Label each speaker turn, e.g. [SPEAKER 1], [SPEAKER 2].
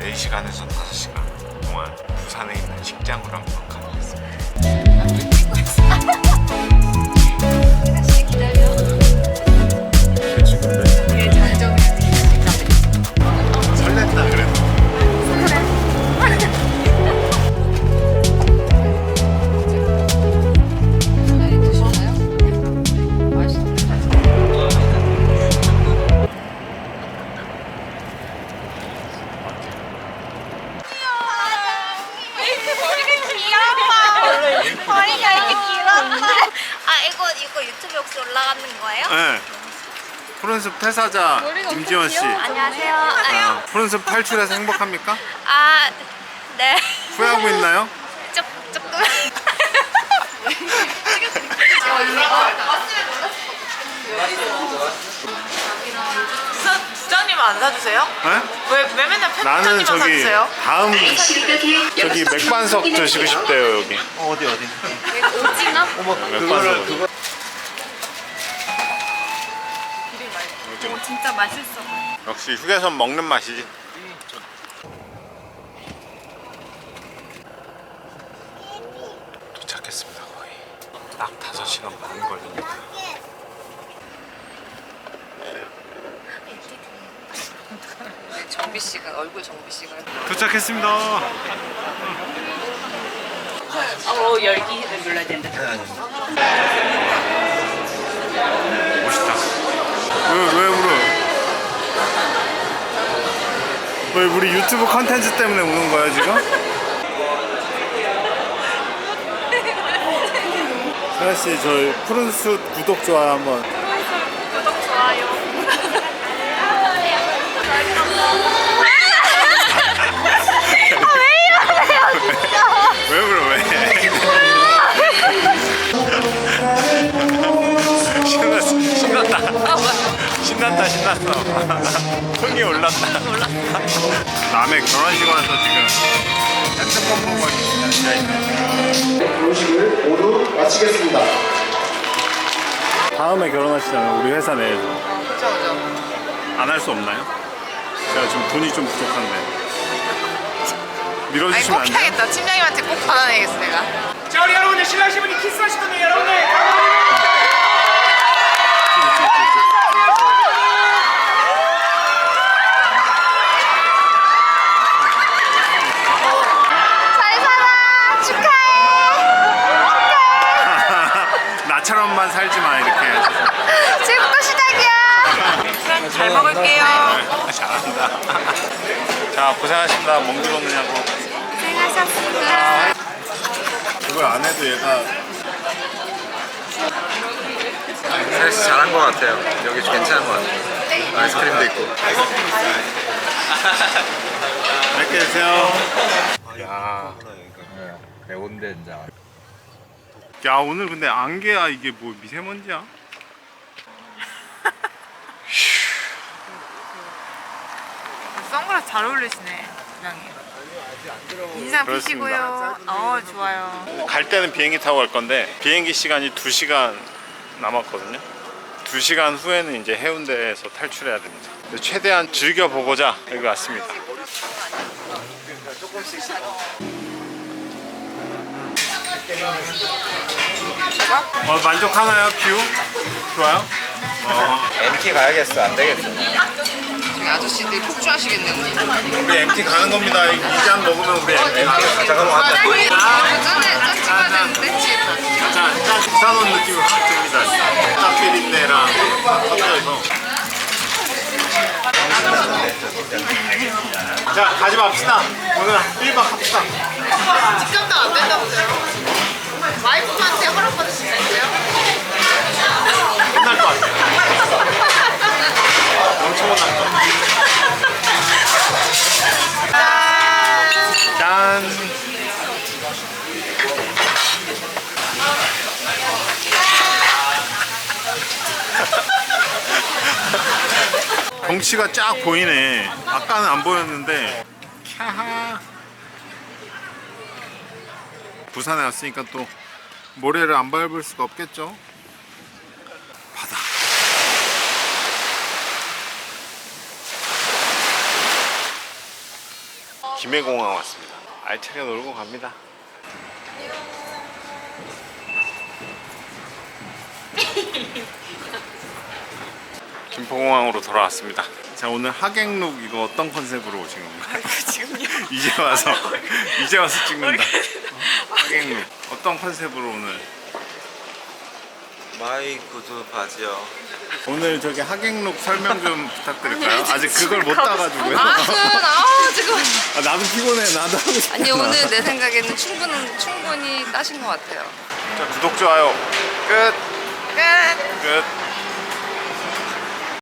[SPEAKER 1] 4시간에서 5시간 동안 부산에 있는 식장으로 한번 가보겠습니다.
[SPEAKER 2] 기다려.
[SPEAKER 1] 지금
[SPEAKER 2] 이게 장정이야.
[SPEAKER 1] 설렜다 그래도.
[SPEAKER 2] 머리가 이렇게 길었나? 아 이거 유튜브 혹시 올라가는 거예요?
[SPEAKER 1] 네. 푸른숲 퇴사자 임지원 씨.
[SPEAKER 2] 안녕하세요.
[SPEAKER 1] 푸른숲 탈출해서 행복합니까?
[SPEAKER 2] 아 네.
[SPEAKER 1] 후회하고 있나요?
[SPEAKER 2] 조금.
[SPEAKER 3] 부장님 안 사주세요?
[SPEAKER 1] 네?
[SPEAKER 3] 왜 맨날
[SPEAKER 1] 나는
[SPEAKER 3] 편집장님만
[SPEAKER 1] 저기
[SPEAKER 3] 사주세요?
[SPEAKER 1] 다음 저기 맥반석 드시고 싶대요 여기.
[SPEAKER 4] 어디
[SPEAKER 2] 오징어?
[SPEAKER 1] 맥반석.
[SPEAKER 2] 진짜 맛있어.
[SPEAKER 1] 역시 휴게소 먹는 맛이지. 도착했습니다. 거의 딱 5시간 반 걸립니다.
[SPEAKER 3] 정비 씨가 얼굴 정비 씨가.
[SPEAKER 1] 도착했습니다.
[SPEAKER 3] 열기를 눌러야 된다.
[SPEAKER 1] 멋있다. 왜 울어? 왜 우리 유튜브 컨텐츠 때문에 우는 거야 지금? 세아 씨, 저희 푸른숲 구독 좋아요 한번.
[SPEAKER 2] 구독 좋아요.
[SPEAKER 1] 왜 울어 왜? 신났어. 흥이 올랐다. 남의 결혼식 와서 지금 핸드폰 보고 앉아있네.
[SPEAKER 5] 결혼식을 모두 마치겠습니다.
[SPEAKER 1] 다음에 결혼하시잖아요 우리 회사 내에서.
[SPEAKER 3] 그죠.
[SPEAKER 1] 안 할 수 없나요? 제가 지금 돈이 좀 부족한데
[SPEAKER 3] 아니
[SPEAKER 1] 밀어주시면
[SPEAKER 3] 꼭
[SPEAKER 1] 안 돼요?
[SPEAKER 3] 해야겠다. 팀장님한테 꼭 받아내겠어 내가.
[SPEAKER 6] 자 우리 여러분들 신랑신 분이 키스하실 건데 여러분들
[SPEAKER 2] 잘 살아. 축하해.
[SPEAKER 1] 나처럼만 살지 마 이렇게.
[SPEAKER 2] 지금부터 시작이야.
[SPEAKER 3] 잘 먹을게요.
[SPEAKER 1] 잘한다. 자 고생하셨습니다. 멍들 오느냐고.
[SPEAKER 2] 고생하셨습니다.
[SPEAKER 1] 그걸 안 해도 얘가
[SPEAKER 4] 사실 잘한 것 같아요. 여기 괜찮은 것 같아요. 아이스크림도 있고.
[SPEAKER 1] 맛있게 드세요. 야.
[SPEAKER 4] 매운데 이제.
[SPEAKER 1] 야 오늘 근데 안개야 이게 뭐 미세먼지야?
[SPEAKER 3] 선글라스 잘 어울리시네, 부장님. 인상
[SPEAKER 1] 그렇습니다.
[SPEAKER 3] 피시고요. 좋아요.
[SPEAKER 1] 갈 때는 비행기 타고 갈 건데 비행기 시간이 2시간 남았거든요. 2시간 후에는 이제 해운대에서 탈출해야 됩니다. 최대한 즐겨보고자 여기 왔습니다. 만족하나요? 뷰? 좋아요?
[SPEAKER 4] MT 가야겠어. 안 되겠어.
[SPEAKER 3] 저기 아저씨들이 폭주하시겠네, 언니.
[SPEAKER 1] 우리 MT 가는 겁니다. 이 잔 먹으면 우리 MT 가는
[SPEAKER 4] 잠깐만 왔다.
[SPEAKER 3] 짠 찍어야 되는데.
[SPEAKER 1] 짠 부산온 느낌이 확 듭니다. 짭비린내랑 섞여서. 자 가지 맙시다. 오늘 1박 합시다.
[SPEAKER 3] 직감도 안 된다고요. 와이프한테 허락받을 수 있어요?
[SPEAKER 1] 끝날 것 같아요. 엄청 혼날 것 같아요. 짠. 경치가 쫙 보이네. 아까는 안 보였는데. 캬하. 부산에 왔으니까 또 모래를 안 밟을 수가 없겠죠. 바다. 김해공항 왔습니다. 알차게 놀고 갑니다. 김포공항으로 돌아왔습니다. 자, 오늘 하객룩 이거 어떤 컨셉으로 오신 건가요?
[SPEAKER 3] 지금요?
[SPEAKER 1] 이제 와서 찍는다. 하객룩 어떤 컨셉으로 오늘?
[SPEAKER 4] 마이 구두 바지요.
[SPEAKER 1] 오늘 저기 하객룩 설명 좀 부탁드릴까요? 아직 그걸 못 따가지고요.
[SPEAKER 3] 지금
[SPEAKER 1] 나도 피곤해. 나도 하고 싶어.
[SPEAKER 3] 아니 오늘 내 생각에는 충분히 따신 것 같아요.
[SPEAKER 1] 자, 구독 좋아요 끝.
[SPEAKER 3] 끝.
[SPEAKER 1] 끝.